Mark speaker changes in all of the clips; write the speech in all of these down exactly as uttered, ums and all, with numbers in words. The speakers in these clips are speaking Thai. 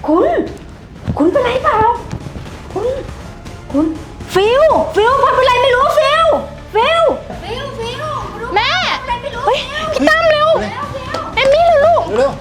Speaker 1: คุณ คุณเป็นไรเปล่า คุณ คุณฟิลฟิลพอเป็นไรไม่รู้ฟิลฟิลฟิลฟิล
Speaker 2: แม่
Speaker 1: อะไรไม่รู้
Speaker 2: เฮ้ยพี่ตั้มเร็วเอมมี่เร็วลูก
Speaker 3: เร็ว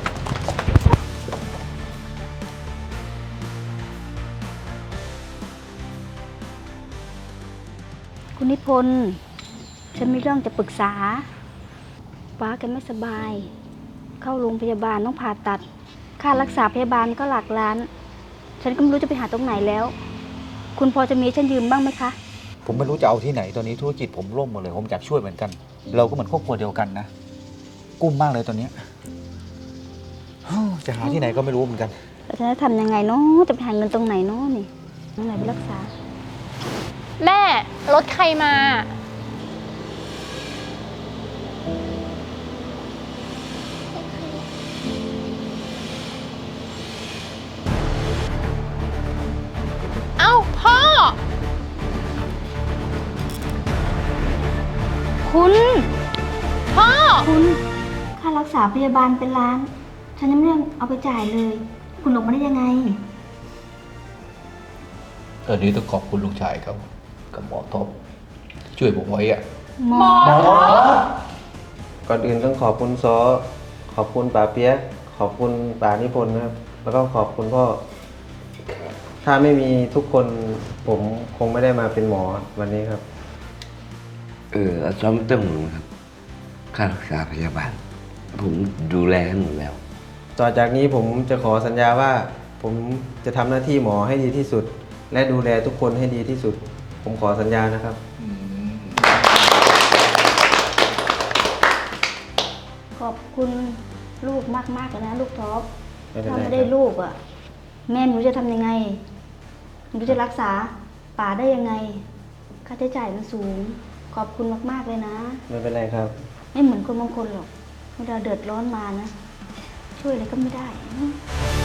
Speaker 1: คุณนิพนธ์ฉันมีเรื่องจะปรึกษาป้าแกไม่สบาย เข้าโรงพยาบาลต้องผ่าตัด ค่ารักษาพยาบาลก็หลักล้าน ฉันก็ไม่รู้จะไปหาตรงไหนแล้ว คุณพอจะมีให้ฉันยืมบ้างไหมคะ
Speaker 4: ผมไม่รู้จะเอาที่ไหนตอนนี้ธุรกิจผมล่มหมดเลย ผมอยากช่วยเหมือนกัน เราก็เหมือนครอบครัวเดียวกันนะ กุ้มมากเลยตอนเนี้ยฮู้จะหาที่ไหนก็ไม่รู้เหมือนกัน
Speaker 1: แล้วฉันจะทำยังไงเนาะจะไปหาเงินตรงไหนเนาะนี่ตรงไหนไปรักษา
Speaker 2: แม่ รถใครมา เอ้า พ่อ
Speaker 1: คุณ
Speaker 2: พ่อ
Speaker 1: คุณค่ารักษาพยาบาลเป็นล้าน ฉันยังไม่ได้เอาไปจ่ายเลย คุณออกมาได้ยังไง
Speaker 5: ตอนนี้ต้องขอบคุณลูกชายเขากับหมอท็อปที่ช่วยผมไว้อะ
Speaker 1: หมอ
Speaker 3: ก่อนอื่นต้องขอบคุณซอขอบคุณป๋าเปียกขอบคุณป๋านิพนธ์นะครับ แล้วก็ขอบคุณพ่อ ถ้าไม่มีทุกคนผมคงไม่ได้มาเป็นหมอวันนี้ครับ
Speaker 6: เอออาจารย์ไม่ต้องห่วงครับ ค่ารักษาพยาบาล ผมดูแลให้หมดแล้ว
Speaker 3: ต่อจากนี้ผมจะขอสัญญาว่า ผมจะทำหน้าที่หมอให้ดีที่สุด และดูแลทุกคนให้ดีที่สุด ผมขอสัญญานะครับ
Speaker 1: ขอบคุณลูกมากๆเลยนะลูกท็อป
Speaker 3: ไม่เป็นไร
Speaker 1: ถ้าไม่
Speaker 3: ค
Speaker 1: ได้
Speaker 3: รับ
Speaker 1: ลูกอ่ะ แม่ไม่รู้จะทำยังไงไม่รู้จะรักษาป่าได้ยังไง ค่าใช้จ่ายมันสูง ขอบคุณมากๆเลยนะ
Speaker 3: ไม่เป็นไรครับ
Speaker 1: ไม่เหมือนคนบางคนหรอกเวลาเดือดร้อนมานะ ช่วยอะไรก็ไม่ได้